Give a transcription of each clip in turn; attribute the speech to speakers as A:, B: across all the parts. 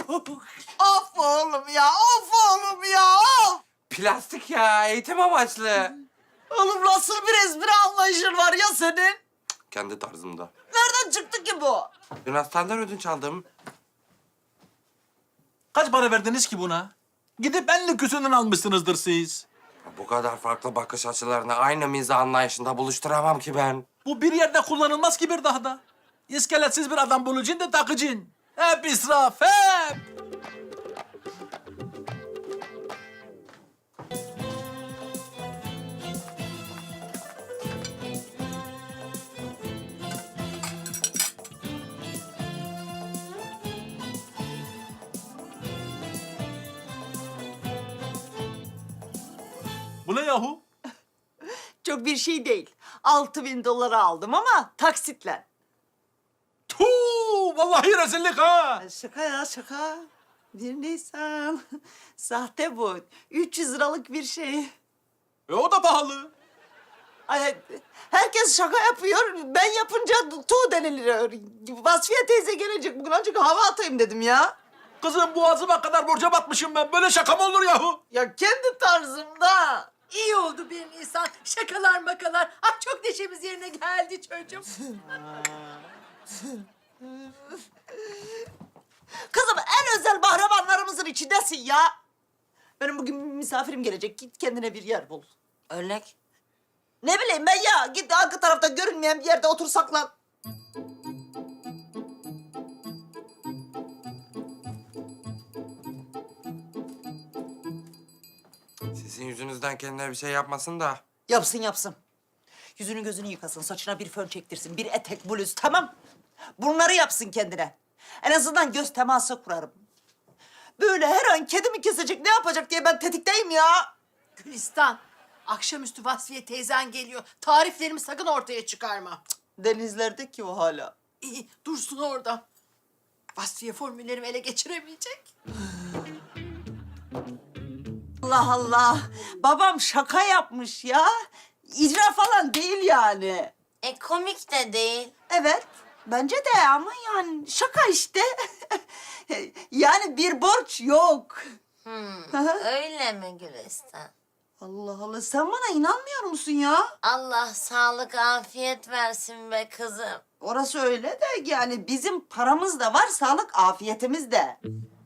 A: Of oğlum ya, of oğlum ya, of!
B: Plastik ya, eğitim amaçlı.
A: Oğlum nasıl bir espri anlayışın var ya senin?
B: Kendi tarzımda.
A: Nereden çıktı ki bu?
B: Yunanistan'dan ödünç aldım.
C: Kaç para verdiniz ki buna? Gidip 50 küsürden almışsınızdır siz.
B: Bu kadar farklı bakış açılarını aynı mizah anlayışında buluşturamam ki ben.
C: Bu bir yerde kullanılmaz ki bir daha da. İskeletsiz bir adam bulacaksın da takacaksın. Hep israf, hep. Bu ne yahu?
A: Çok bir şey değil. 6.000 dolara aldım ama taksitle.
C: Tuu, vallahi rezillik ha.
A: Şaka ya, şaka. 1 Nisan. Sahte bu. 300 liralık bir şey.
C: O da pahalı.
A: Ay, herkes şaka yapıyor. Ben yapınca tu deniliyor. Vasfiye teyze gelecek bugün, ancak hava atayım dedim ya.
C: Kızım boğazıma kadar borca batmışım ben. Böyle şaka mı olur yahu?
A: Ya kendi tarzımda.
D: İyi oldu 1 Nisan. Şakalar makalar. Ah çok neşemiz yerine geldi çocuğum.
A: Kızım en özel bahramanlarımızın içindesin ya. Benim bugün misafirim gelecek. Git kendine bir yer bul.
B: Örnek?
A: Ne bileyim ben ya. Git arka tarafta görünmeyen bir yerde otur saklan.
B: Sizin yüzünüzden kendine bir şey yapmasın da.
A: Yapsın yapsın. Yüzünü gözünü yıkasın, saçına bir fön çektirsin, bir etek, bluz, tamam. Bunları yapsın kendine. En azından göz teması kurarım. Böyle her an kedimi kesecek, ne yapacak diye ben tetikteyim ya.
D: Gülistan. Akşamüstü Vasfiye teyzen geliyor. Tariflerimi sakın ortaya çıkarma.
A: Denizlerde ki o hala.
D: İyi dursun orada. Vasfiye formüllerimi ele geçiremeyecek.
A: Allah Allah. Babam şaka yapmış ya. İcra falan değil yani.
E: Komik de değil.
A: Evet, bence de ama yani şaka işte. Yani bir borç yok.
E: Öyle mi Gülistan?
A: Allah Allah, sen bana inanmıyor musun ya?
E: Allah sağlık afiyet versin be kızım.
A: Orası öyle de yani bizim paramız da var, sağlık afiyetimiz de.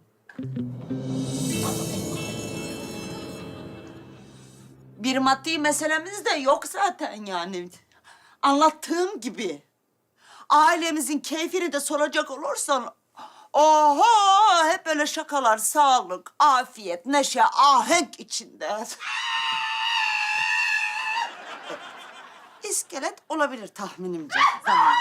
A: Bir maddi meselemiz de yok zaten yani. Anlattığım gibi. Ailemizin keyfini de soracak olursan... Oho! Hep böyle şakalar, sağlık, afiyet, neşe, ahenk içinde. İskelet olabilir tahminimce, zamanca.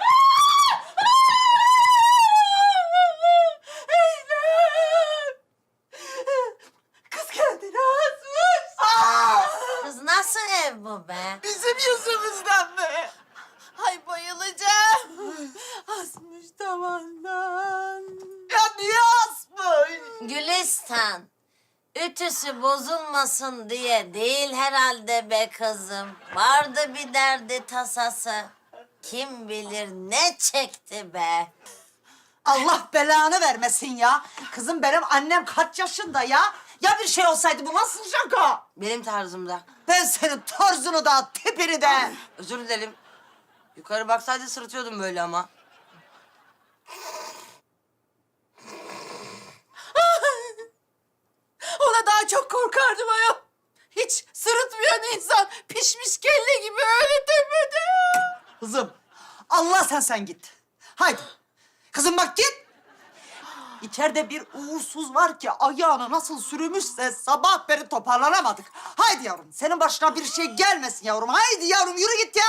A: Eylem! Kız kendini asmış.
E: Kız nasıl ev bu be?
A: Bizim yüzümüzden mi?
D: Ay bayılacağım. Asmış tavandan.
A: Ya niye asmış?
E: Gülistan. Ütüsü bozulmasın diye değil herhalde be kızım. Vardı bir derdi tasası. Kim bilir ne çekti be.
A: Allah belanı vermesin ya. Kızım benim annem kaç yaşında ya? Ya bir şey olsaydı bu nasıl şaka?
F: Benim tarzımda.
A: Ben senin tarzını da tipini de.
F: Özür dilerim. Yukarı baksaydı sırıtıyordum böyle ama.
D: Ona daha çok korkardım ayol. Hiç sırıtmayan insan pişmiş kelle gibi öyle tepede.
A: Kızım Allah sen git. Haydi. Kızım bak git. İçeride bir uğursuz var ki ayağını nasıl sürümüşse sabah beri toparlanamadık. Haydi yavrum, senin başına bir şey gelmesin yavrum. Haydi yavrum, yürü git ya.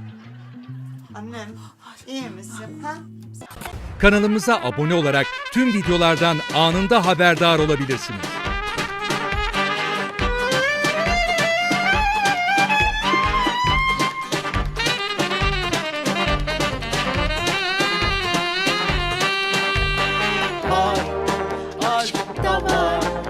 A: Annem iyi misin ha?
G: Kanalımıza abone olarak tüm videolardan anında haberdar olabilirsiniz.